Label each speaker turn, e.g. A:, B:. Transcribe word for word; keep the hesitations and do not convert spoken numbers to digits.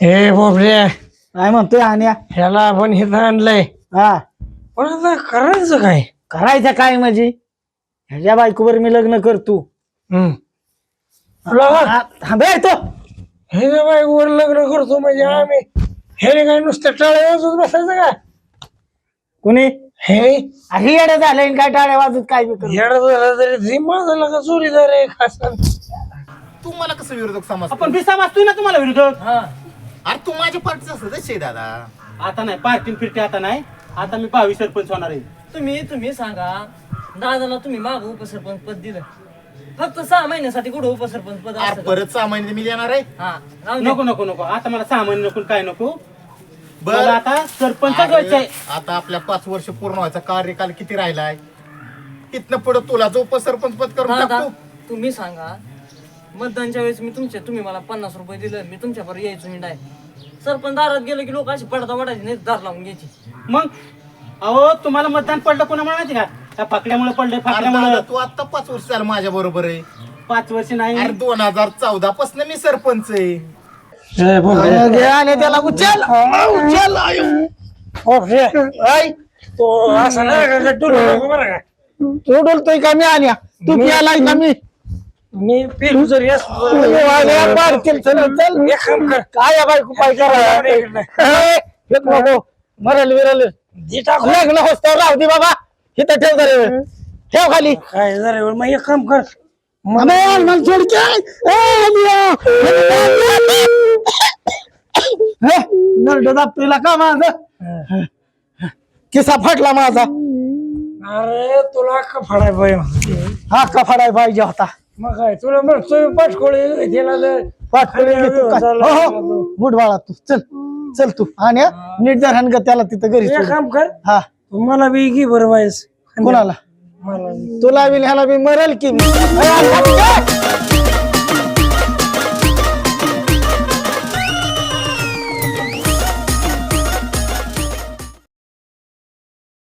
A: हे बोबड्या
B: काय म्हणतोय आणि
A: ह्याला आपण इथं आणलंय
B: हा
A: पण आता करायचं काय?
B: करायचं काय म्हणजे ह्याच्या बायकोवर मी लग्न करतो.
A: हम्म तुला
B: थांबे तो
A: हे जे बाईवर लग्न करतो म्हणजे आम्ही हे काय नुसतं टाळ्या वाजवत बसायचं का?
B: कोणी
A: हे
B: ही येडे झाले काय टाळ्या वाजत काय बी करू.
A: येडा झाला तरी जी माझा का चोरीदार आहे खास.
C: तू मला कसं विरोधक समज
D: आपण बिसा वाचतोय ना तुम्हाला विरोधक.
C: अरे तू माझ्या पार्टीचा सदस्य आहे दादा.
D: आता नाही पार्टी फिरते आता नाही. आता मी भावी सरपंच होणार आहे.
E: तुम्ही तुम्ही सांगा दादाला तुम्ही माग उपसरपंच पद दिलं फक्त सहा महिन्यासाठी कुठं उपसरपंच पद
C: अरे
E: असतं का?
C: परत सहा महिने मी येणार आहे.
E: हा राहू दे.
D: नको नको नको आता मला सामान नको काय नको.
C: बरं.
D: मला आता सरपंच
C: अरे,
D: व्हायचंय.
C: आता आपल्या पाच वर्ष पूर्ण व्हायचा कार्यकाल किती राहिलाय तिथनं पुढे तुला जो उपसरपंच पद करून
E: दादा
C: टाकतो.
E: तुम्ही सांगा मतदानच्या वेळेस मी तुमच्या तुम्ही मला पन्नास रुपये दिलं मी तुमच्यावर यायचो हिंडाय सरपंच दारात गेलं की लोक अशी पडदा वाढायची नाही दार लावून घ्यायची.
D: मग अहो तुम्हाला मतदान पडलं कोणामुळे माहिती का? त्या फाकड्यामुळे पडलं
C: अरे
D: फाकड्यामुळे.
C: दादा, तू आता पाच वर्ष झालं माझ्या बरोबर आहे.
D: पाच वर्ष नाही.
C: अरे दोन हजार चौदा पासून मी सरपंच आहे.
A: हे बोबड्या
B: घे आणि त्याला उचल उचल
A: बोबड्या ऐ तो असं नाही का टुलू नको बरं का?
B: तू डोलतोय का मी आणि तू प्यालाय का मी
A: मी पेरू जरी असलो
B: पाडतील चल चल
A: एक काम कर
B: काय या बायको पाय करा नको मरल विरल
A: दे टाकू.
B: लग्न होस्तर राहू दे बाबा इथं ठेव जरा ठेव खाली
A: काय जरा मग एक काम कर
B: अबे, मला सोड की. ए, लिया. हे, नरड दाबतोयला का माझं किसा फाटला माझा
A: अरे तुला का फडाय पाहिजे
B: हा का फाडाय पाहिजे होता
A: मग काय तुला म्हणतोय पाठकोळी दिला तर
B: फाटकडे बुट बाळा तू चल चल तू आणि हा, नीट जर हाण ग त्याला तिथं घरी
A: एक
B: सोड.
A: काम कर
B: हा
A: तुम्हाला बी घे बरं वायस
B: कोणाला
A: मला
B: तुला बी ह्याला बी मरेल की मी. ए,